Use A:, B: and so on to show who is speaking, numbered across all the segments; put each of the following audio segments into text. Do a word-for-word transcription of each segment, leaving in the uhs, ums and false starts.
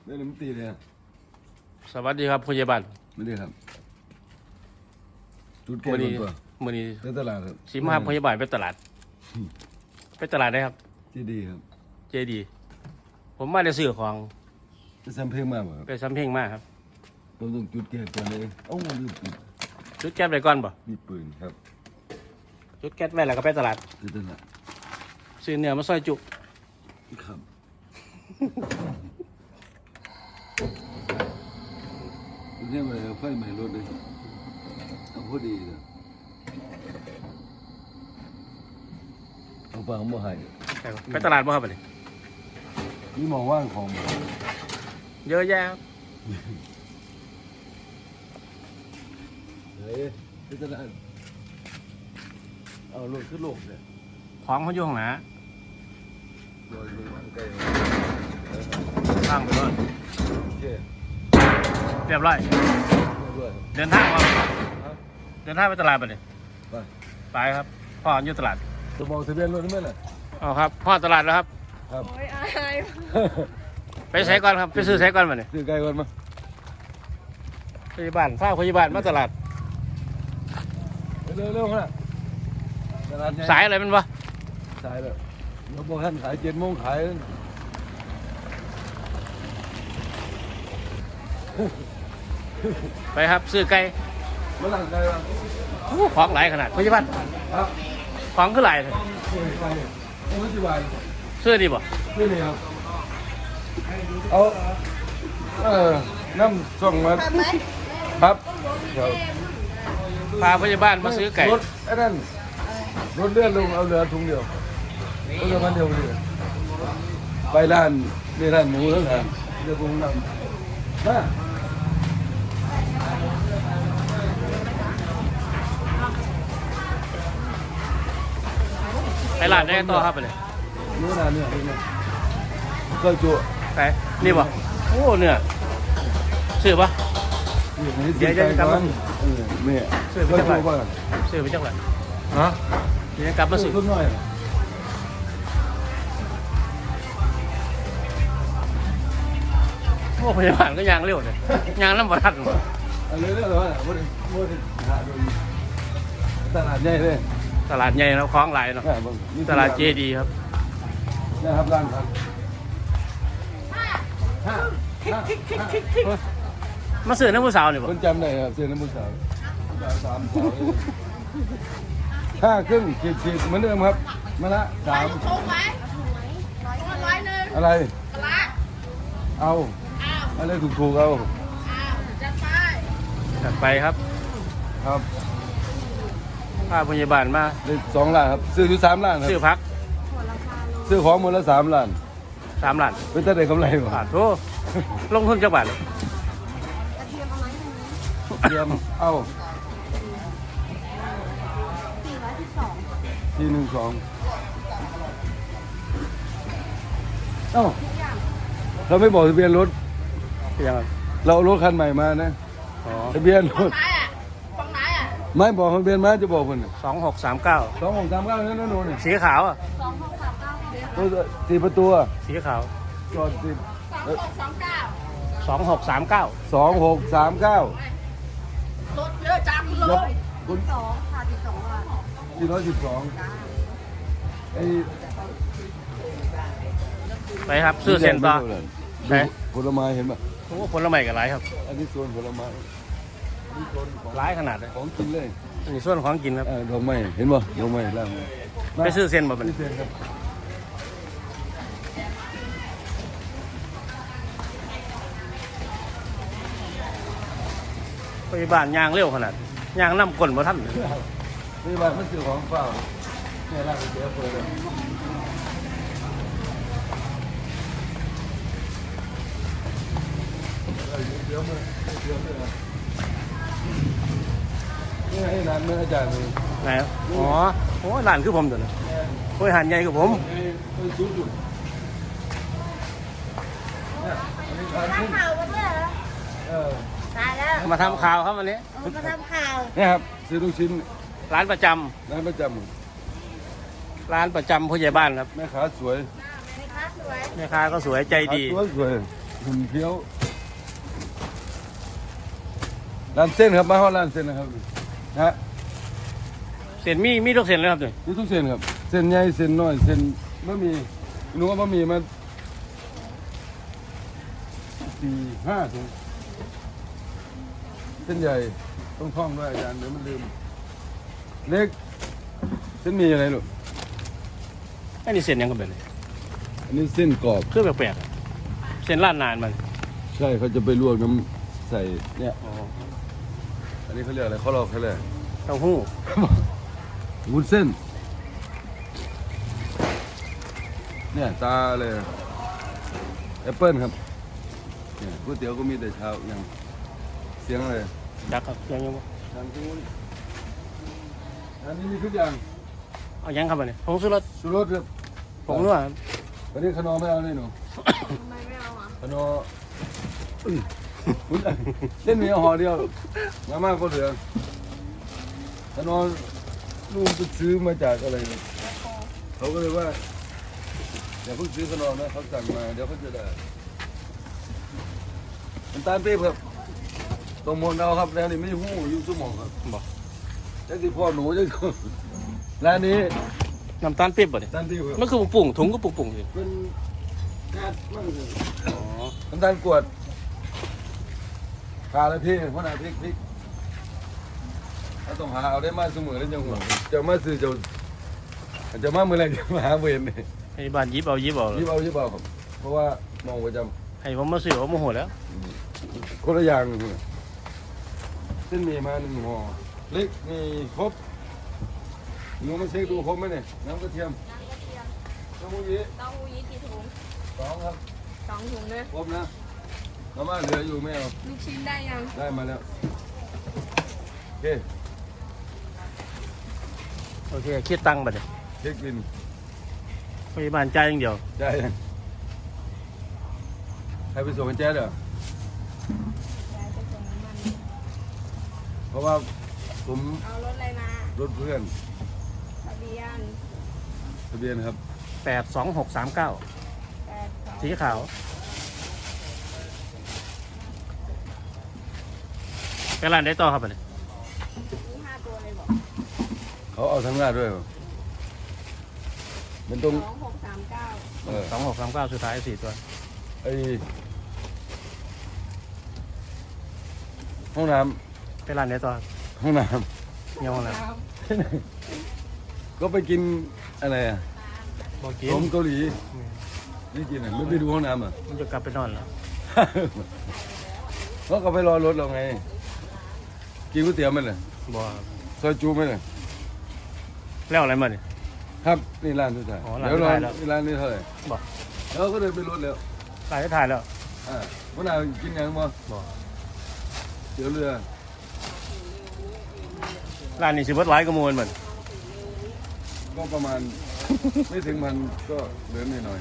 A: ได้เลยมันตีเลยครับ
B: สวัสดีครับผู้ใหญ่บ้าน
A: ไม่ได้ครับจุดแก้
B: มื้อ
A: ตั
B: นี้
A: ว
B: มื้อนี้
A: ในตลาดครับ
B: สิมาผู้ใหญ่บ้านไปตลาดไปตลาดได้ครับ
A: ที่ดีครับ
B: เจดี ผมมาได้ซื้อของ
A: จะซ้ำเพลงมากครับ
B: ไปซ้ำเพ็งมากครับ
A: ผมต้องจุดแก้ก่อนเลยเอ้าลืมปิด
B: จุดแก๊สไปก่อนบ่
A: มีปืนครับ
B: จุดแก๊สไว้แล้วก็ไปตลาด
A: ที่ตลาด
B: ซื้อเนื้อมาซอยจุ
A: ครับเนี่ยมันไฟใหม่รถเลยเอาพอดีเลยเอาฟังมาให้
B: ไปตลาดบ่ครับบัดนี้
A: นี่มองว่างของ
B: เยอะแยะครับ
A: เฮ้ยที่ตลาดเอารถขึ้นโลกเลย
B: ของเขาอยู่ข้างหน้า
A: โดยใกล้
B: ข้างไปเลย
A: โอเค
B: เรียบร้อย
A: ด้วย
B: เดินทางมา
A: ครับ
B: เดินทางไปตลาดบัดนี้
A: ไป
B: ไปครับพ่ออยู่ตลาด
A: จะมองทะเบียนรถได้ไหมล่ะ
B: เอาครับพ่อตลาดแล้วครับ
A: ครับ
C: โอ้ยอาย
B: ไปใช้ก่อนครับไปซื้อใช้ก่อนบัดนี้
A: ซื้อไก่ก่อนมา
B: พยาบาลฝ้าพยาบาลมาตลาด
A: เร็วเร็วๆนะตลาดใหญ่
B: สายอะไรมันวะ
A: สายแบบเราบอกท่านขายเจ็ดโมงขาย
B: ไปครับซื้อไก่
A: เมื่อไหร่ไก่วะ
B: อู้ของหลายขนาดพยาบาล
A: ครับ
B: ของคือหลายเลย
A: ซื้อไก่เอาไว้ที่บ้าน
B: ซื้อดีบ่
A: ซื้อนี่ครับเอาเออน้ำส่งมา
C: ทำไหม
A: ครับครับ
B: พาพยาบาลมาซื้อไก่
A: รถไอ้นั่นรถเลื่อนลงเอาเหลือถุงเดียวเอาเหลือพันเดียวเลยไปร้านนี่ร้านหมูแล้วกันเดี๋ยวผมนำมา
B: ไปร้านได้ต่อครับไปเลย
A: เนื้อหนาเนื้อเนื้อก็จุ
B: ไปนี่บ่โอ้เนื้อซื้อปะ
A: เดี๋ยวจะกลับมาเออเนี่ย
B: ซื้อไป
A: ก็
B: จังห
A: จุ
B: วัด
A: ก่อน
B: ซื้อไปจังหวัด
A: ฮะ
B: เดี๋ยวจะกลับมาซื้อ
A: ทุนหน่อย
B: โอ้พยาบาลก็ยางเร็วเลยยางน้ำบาด
A: เอาเลยเลยเหรอวันนี้วันนี้หาดูตลาดใหญ่เลย
B: ตลาดใหญ่แล้วคล้องหลายเนาะ
A: แม่ผม
B: ตลาดเจดีครับ
A: นะครับร้านครับห้าห้า
B: มาซื้อน้ำผู้สาวนี่บ่
A: คนจำได้ครับเสื้อน้ำมันสาวสามสาวห้าครึ่งขีดขีดเหมือนเดิมครับมาละสาม
C: ชงไหมร้อยหนึ่ง
A: อะไร
C: ปลา
A: เอา
C: อ้าว
A: อะไรถูกถูกๆเอา
C: อ้าวจัดไป
B: จัดไปครับ
A: ครับ
B: พาพยาบาลมา
A: ได้สองล้านครับซื้ออยู่สามล้านค
B: ซื้อ
A: รับ
B: พัก
A: ซื้อของหมดละสามล้าน
B: สามล้าน
A: เป็นแต่ได้กำไร
B: บา
A: บ่
B: ทโธ่ลงทุนจักบาท
C: กระเทียมเอาไหม
A: เตรียมเอา
C: สี่ร้อยสิบสอง
A: ทีหนึ่งสองเอ้าเราไม่บอกทะเบียนรถ
B: เป็นยังไง
A: เราเอารถคันใหม่มานะ
B: อ๋อ
A: ทะเบียนร
C: ฝั่ง
A: ถ
C: ไหนอ่ะฝั่งไหนอ่ะ
A: ไม่บอกทะเบียนมาจะบอกคน
B: สองหกสามเก้า
A: สองหกสามเก้านั่นนู่นนี่
B: สีขาวอ่ะ
C: สองหกสามเก้าเดือน
A: ตัวสี่ประตู
B: สีขาว
A: จอดสิบ
C: สองหกสองเก้า
B: สองหกสามเก้า
A: สองหกสามเก้าร
C: ถเยอะจังเล
A: แล้ว
C: ย
A: คุณ
C: สองค่ะสิบสองบาท
A: สี่ร้อยสิบสองไอ้
B: ไปครับซื้อเส้นต่อ ไหน
A: ผลไม้เห็นป่ะ
B: โอ้ผลไม้กับหลายครับ
A: อันนี้โซนผลไม้อันนี้โซนของ
B: หลายขนาดเลย
A: ของกินเลย
B: อันนี้ส่วนของกินครับ
A: เออดอกไม้เห็นป่ะดอกไม้ล่างมา
B: ไปซื้อเส้นมาเป็น
A: ซื้อเส้นครับ
B: พยาบาลยางเร็วขนาดยางน้ำก้นมาท่าน
A: นี่บ้านมันซื้อของเปล่าเนี่ยร้านก๋วยเตี๋ยวเปิดเลยเดี๋ยวมาเดี๋ยวมานี่ไงร้านเมื่ออาจารย์เลย
B: ไหนครับอ๋อโอ้หลานคือผมตัวนะโอ้ยหันใหญ่กับผม
A: ไปสูงสุดเนี่ยอันนี้ทานขึ้น
C: ข่าวมาด้วยเหรอ
A: เออ
C: ตายแล้ว
B: มาทำข่าวครับวันนี้
C: เอามาทำข่าว
A: เนี่ยครับซื้อลูกชิ้น
B: ร้านประจำ
A: ร้านประจ
B: ร้านประจำผู้ใหญ่บ้านครับ
A: ำแม่ค้าสวย
C: แม่ค้าสวย
B: แม่ค้าก็สวยใจดี
A: สวยสวยหุ่นเคี้ยวร้านเส้นครับมาฮอดร้านเส้นนะครับนะฮะ
B: เส้นมีมีทุกเส้นเลยครับเนี่ย
A: มีทุกเส้นครับเส้นใหญ่เส้นน้อยเส้นบะหมี่หนูว่าบะหมี่มาสี่ห้าถุงเส้นใหญ่ต้องท่องด้วยอาจารย์เดี๋ยวมันลืมเล็กเส้นหมีอะไรลูก
B: อันนี้เส้นยังกันแบบนี้
A: อันนี้เส้นกรอบ
B: คือแปลกๆอะเส้นล้านนานมัน
A: ใช่เขาจะไปลวกน้ำใส่เนี่ย
B: อ๋อ
A: อันนี้เขาเรียกอะไรเขาลอกเขาเรียก
B: เต้าหู้
A: วุ้นเส้นเนี่ยตาเลยแอปเปิ้ลครับเนี่ยก๋วยเตี๋ยวก็มีแต่เช้าอย่างเสียงอะไร
B: จักครับยังยังบ่
A: ทางที่นู้นอันนี้มีทุกอย่าง
B: เอายังครับอันนี้ผงชูรส
A: ชูรสครับ
B: ผงนัวครับ
A: วันนี้ขนมไม่เอาเลยหนู
C: ทำไมไม่เอาอ่ะ
A: ขนมอุ้ยอุ้ยเส้นหมีเอาห่อเดียวมาม่าก็เหลือขนมลูกไปซื้อมาจากอะไรเนี่ยเขาก็เลยว่าอย่าเพิ่งซื้อขนมนะเขาสั่งมาเดี๋ยวเขาจะได้น้ำตาลปี๊บครับตรงหมดเราครับแล้วนี่ไม่หู้อยู่สมองครับ
B: บอก
A: จังสิพ่อหนูจังสิร้านนี้
B: น้ำตาลปี๊บบ่เนี่ย
A: น้ำตาลปี๊บครับ
B: มันคือปุ่งถุงก็ปุ่งๆอยู่
A: เป็นกาดมั่งเลย
B: อ๋อ
A: น้ำตาลกรวดขาและพริกเพราะหนาพริกพริกถ้าต้องหาเอาได้มาเสมอแล้วจังหวะจะมาซื้อจะจะมาเมื่อไรจะมาหาเวรเนี่ย
B: ให้บ้านยิบเอายิบเอา
A: ยิบเอายิบเอาครับเพราะว่ามองประจ
B: ให้ผมมาซื้อผมโมโหแล้ว
A: ำคนละอย่างเส้นหมี่มาหนึ่งห่อเล็กนี่ครบหนูมาเช็คดูครบไหมเนี่ยน้ำกระเทียมน้ำมูยี
C: เต้าหู้ยี้กี่ถุง
A: สองครับ
C: สองถุงเลย
A: ครบนะมาม่าเหลืออยู่ไม่เอา
C: ลูกชิ้นได้ยัง
A: ได้มาแล้วโอเค
B: โอเคคิดตังค์บ่เนี่ย
A: เช็คบิน
B: พยาบาลจ่ายอย่างเดียว
A: ได้ยังใครไปส่งกันแจ๊ดเหรอ
C: ย้ายไปส่งน้ำมัน
A: เพราะว่าผม
C: เอารถอะไรมาร
A: ถเพื่อน
C: ทะเบียน
A: ทะเบียนครับ
B: แปดสองหกสามเก้า
C: แปดสอง
B: สีขาวไปร้านได้ต่อครับบ่เนี่ย
C: ยี่ห้าตัวเลยบอก
A: เขาเอาทั้งหน้าด้วยเหรอมันต้อง
C: สองหกสามเก้า
A: เออ
B: สองหกสามเก้าสุดท้ายสี่ตัว
A: ไอห้องน้
B: ไปร้านได้ต่อครับ
A: ำห้องน้
B: เงี้ยห้องน้
A: ำก็ไปกินอะไรอ่ะ
B: ำบอกกิ
A: ข
B: น
A: นมเกาหลีนี่กินอ่ะไม่ไปดูห้องน้ำอ่ะ
B: มันจะกลับไปนอนแล้ว
A: เขาก็ไปรอรถเราไง กินก๋วยเตี๋ยวไหมล่ะ
B: บอก
A: ซอยจูไหมล่ะ
B: แล้วอะไรมาเนี่ย
A: ครับนี่ร้านสุดท้าย
B: อ๋อร้าน
A: เดี๋ยวรอ
B: สุดท้ายแล้ว
A: นี่ร้านนี้เท่าไหร่
B: บอก
A: แล้วก็เดินไปรถแล้ว
B: ร้านได้ถ่ายแล้ว
A: อ่าวันnàoกินยังบ่
B: บอก
A: เดี๋ยวเรือ
B: ร้านนี้สิบวัดหลายกระมวลเหมือน
A: ก็ประมาณ ไม่ถึงมันก็เหลือนิดหน่อย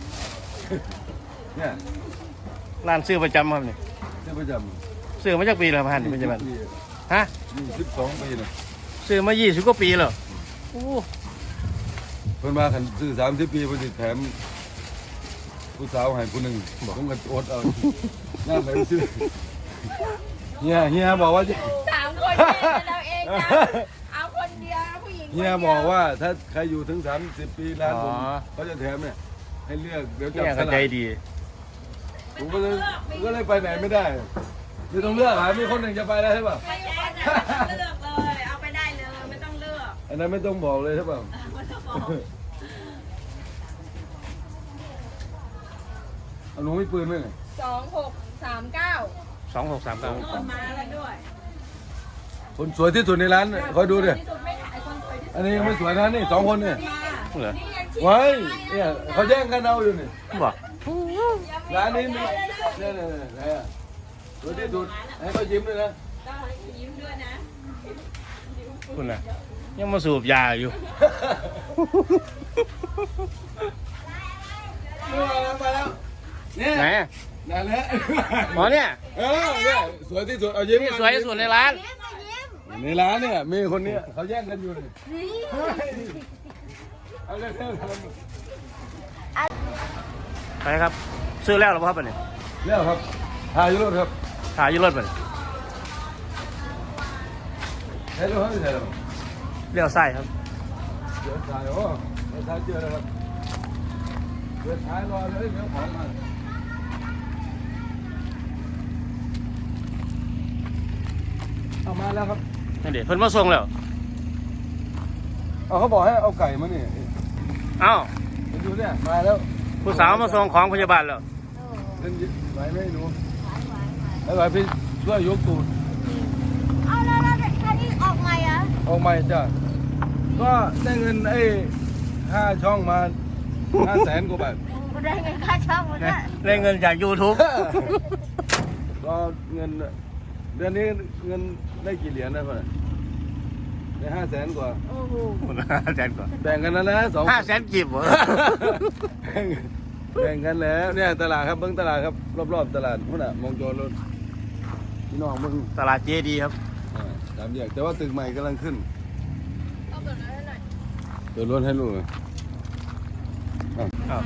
A: เนี่ย
B: ร้านซื้อประจำครับนี่
A: เจ้าประจ
B: ซื้อมาจากปีแล้วพัน
A: ำ
B: เป็นจังไง
A: ปี
B: ฮะ
A: ยี่สิบสองปีนะ
B: ซื้อมายี่สิบกว่าปีแล้วโอ้
A: เพิ่นมาขันซื้อสามสิบปีเพิ่นสิแถมผู้สาวให้ผู้หนึ่งผมก็อดเอาหน้าไปซื้อเฮียเฮียบอกว่าจะ
C: สามคนเนี่ยเราเองนะเอาคนเดียวนะผู้หญิงคน
A: เฮี
C: เดี
A: ย
C: ยว
A: บอกว่าถ้าใครอยู่ถึงสามสิบปีร้านผม
B: อ๋อ
A: เขาจะแถมเนี่ยให้เลือกเดี๋ยวจั
B: เนี่ย
A: บส
B: ก็
A: ลา
B: ใจ
A: ก
B: ดี
A: ผมก็เลยผมก็เลยไปไหนไม่ได้ไม่ต้องเลือกหามีคนหนึ่งจะไปแล้วใช่ป่ะ
C: ไม่แย่นะไม่ต้องเลือกเลยเอาไปได้เลยไม่ต้องเลือก
A: อันนั้นไม่ต้องบอกเลยใช่ป่ะ
C: ไม่ต้องบอก
A: เอาหนูมีปืนไหมเนี่ย
C: สองหกสามเก้า
B: สองหกสามเก้า
C: โดนมาแล้วด้วย
A: คนสวยที่สุดในร้านเนี่ยคอยดูดิ
C: ที่สุดไม่ถ่ายคนสวยที่สุด
A: อันนี้ยังไม่สวยนะนี่สองคนเนี่ย
C: มา
B: เหรอ
C: นี่ยังชิ
A: ไว้เนี่ยเขาแย่งกันเอาอยู่นี่
B: บอก
A: ร้านนี้มีเนี่ยเนี่ยเนี่ยเนี่ยสวยที่สุดให้เขายิ้มด้วยนะ
C: ต้องให้ยิ้มด้วยนะ
B: คุณน่ะยังมาสูบยาอยู่
A: มาแล้วมาแล้วเนี่ย
B: ไหน
A: นั่นแหละ
B: อ๋อเนี่ย
A: เออเนี่ยสวยที่สุดเอายิ้ม
B: นี่สวยที่สุดในร้าน
C: ยิ้มยิ้ม
A: ในร้านเนี่ยมีคนเนี้ยเขาแย่งกันอยู่นี่
C: นี่
A: เอาเลยเถอะ
B: ไปครับ ซื้อแล้วเหรอครับอันนี้
C: ย
A: แล้วครับถ่ายอยู่รถครับ
B: ถ่ายอยู่รถมัน
A: ถ่ายรถเขาไม่ถ่ายหรอก
B: เลี้ยวซ้ายครับ
A: เดี๋ยวถ่ายโอ้เดี๋ยวถ่ายเจอแล้วครับเดี๋ยวถ่ายรอเลยเดี๋ยวของมาเอามาแล้วครับ
B: นี่เดี๋ยวเพิ่นมาส่งแล้ว
A: เอาเขาบอกให้เอาไก่มานี่
B: เอ้า
A: เห็นดูเนี่ยมาแล้ว
B: ผู้สาวมาส่งของพยาบาลแล้ว
A: เล่นยิไหวไหมหนูไหวไหวพี่ช่วยยกตูด
C: เอาแล้วแล้วท่านี้ออกใหม่เหรอ
A: ออกใหม่จ้ะก็ได้เงินไอ้ห้าช่องมาห้าแสนกว่าบาท
C: ได้เงินค่าช่องมัน
B: ได้
C: น่ะ
B: ได้เงินจาก YouTube
A: ก็เงินเดือนนี้เงินได้กี่เหรียญนะพ่อได้ห้าแสนกว่า
C: โอ้โห
B: ห้าแสนกว่า
A: แบ่งกันแล้วนะสอง
B: ห้าแสนกีบเหรอ
A: แบ่งแบ่งกันแล้วเนี่ยตลาดครับเบิ้งตลาดครับรอบๆตลาดพุ่นอ่ะมองโจรรถพี่น้องมึง
B: ตลาดเจดีครับ
A: อ่าสามแยกแต่ว่าตึกใหม่กำลังขึ้น
C: เอาแบบนั้นหน่อย
A: เปิดรถให้ลูกหน่อย
B: อ้าว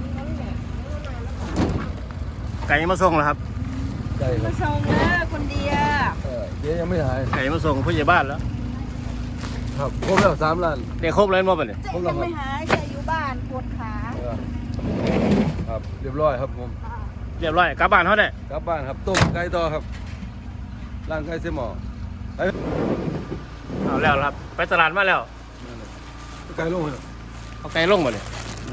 B: ไก่มาส่งแล้วครับ
A: ใช่ครั
C: มา
A: บ
C: ส่งเด้อคนเดียว
A: เออเจ๊ยังไม่หาย
B: ไก่มาส่งผู้ใหญ่บ้านแล้ว
A: ครับครบแล้วสามล้าน
B: ได้ครบเลยมั้งปะเนี่ย
C: เจ๊ยังไม่หายแกอยู่บ้านปวดขา
A: เออครับเรียบร้อยครับผม
B: เรียบร้อยกลับบ้านเขาได้
A: กลับบ้านครับต้มไก่ต่อครับร่างไก่เสยหมอไอ้
B: เอาแล้วครับ ไปตลาดมาแล้ว
A: นั่นน่ะไก่ลงเลย
B: เอาไก่ลงมาเนี่ย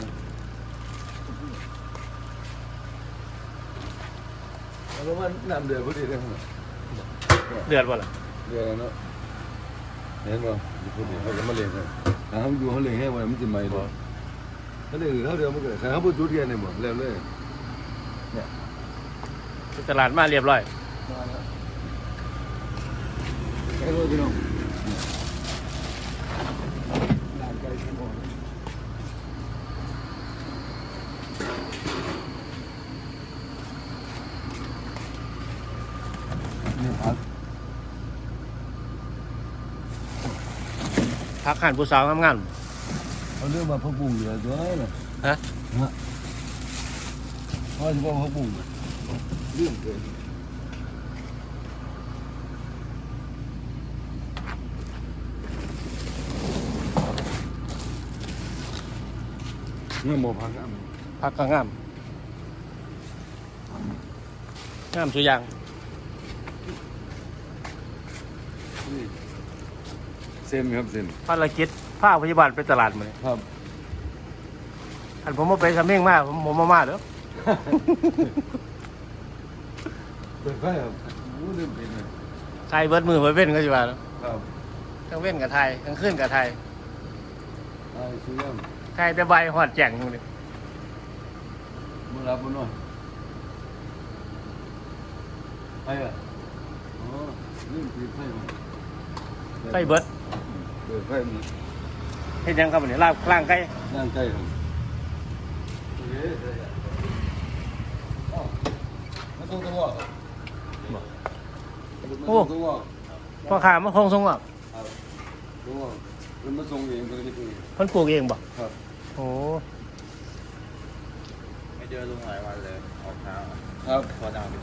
A: แล้วมันน้ำเดือดพอดีเลยครับ
B: เดือดบ่ล่ะ
A: เดือดเนาะเห็นป่ะพอดีเขาจะมาเลี้ยงครับถ้าเขาดูเขาเลี้ยงให้ไว้มันจะไหมบ่เขาเลี้ยงเขาเดียวมันเกิดเขาพูดจุดเดียวเนี่ยหมดแล้วเลย
B: ไปตลาดมาเรียบร้อย
A: ไก่เลยพี่น้องร่างไก่เสยหมอนี่ครับ
B: พักหันผู้สาวงาม
A: เขาเรียกว่าพระบุ้งเหลือตัวนั้นน่ะ
B: ๆฮะ
A: ฮะเขาจะบอกพระบุ้งเรื่องเกินเงื่อนโมพังอ่ะ
B: พักก็งามงามสุดอย่าง
A: นี่เซมครับเซม
B: ภารกิจพาพยาบาลไปตลาดมาเลย
A: ครับ
B: อันผมมาไปสำเพ็งมาผมผมมามาเด้อ
A: เปิดไฟครับรู้เรื่องเป็นเลย
B: ไทยเบิดมือเบิดเว้นก็จะว่าแล้ว
A: ครับ
B: ทั้งเว้นกับไทยทั้งขึ้นกับไทย
A: ไอ้ซื้อยัง
B: ไทยแต่ใบหอดแจ่งอยู่นี่
A: มึงรับมันหน่อยไอ้อะอ๋อเรื่องปิดไฟมา
B: ไก่เบิด
A: เปิดไฟมัน
B: เห็นยังครับวันนี้ลาบล่างไก่
A: นั่งใกล้ครับโอเคได้ครับอ้าวมาส่งตัวครับมาส่งตัว
B: พ่อค้ามาคงทรงอ่ะ
A: ครับตัวมันมาส่งเองคนที่ตัวเอง
B: เพิ่นปลูกเองบ่
A: ครับ
B: โอ้
D: ไม่เจอลุงหลายวันเลยออกเช้า
A: ครับ
D: พอดัง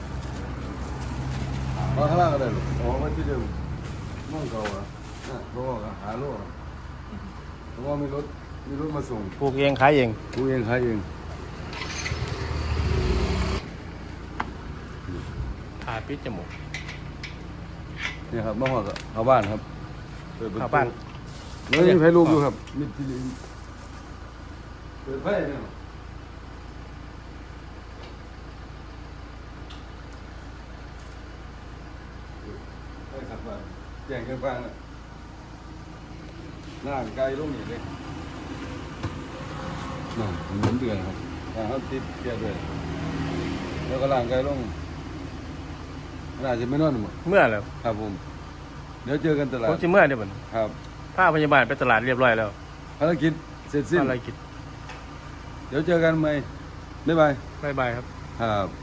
A: มาข้างล่างก็ได้ลูกอ๋อมาที่เดิมน้องเก่าอ่ะน่ะเพราะว่าหาโลกเพราะว่ามีรถมีรถมาส่ง
B: ปลูกเองขายเอง
A: กูเองขายเอง
B: ขาปิดจมูก
A: เนี่ยครับมาหอดเข้าบ้านครับเปิดประตู
B: เข้าบ้าน
A: แล้วมีไฟลูกอยู่ครับมีทีวีเปิดไฟเนี่ยไฟขับบ้านแจ้งกันฟังน่ะร่างกายลงอย่างเลยนั่นเหมือนเดือนครับอ่าเขาติดเกียร์ด้วยแล้วก็ร่างกายลงน่าจะไม่นอนหมด
B: เมื่อแล้ว
A: ครับผม เดี๋ยวเจอกันตลา
B: ผ
A: ด
B: มสิเมื่อเดี๋ยวบัดนี้
A: ครับ
B: พาพยาบาลไปตลาดเรียบร้อยแล้ว
A: ภารกิจเสร็จสิ้น
B: อะไรกิน
A: เดี๋ยวเจอกันใหม่บ๊ายบาย
B: บ๊ายบายครับ
A: ครับ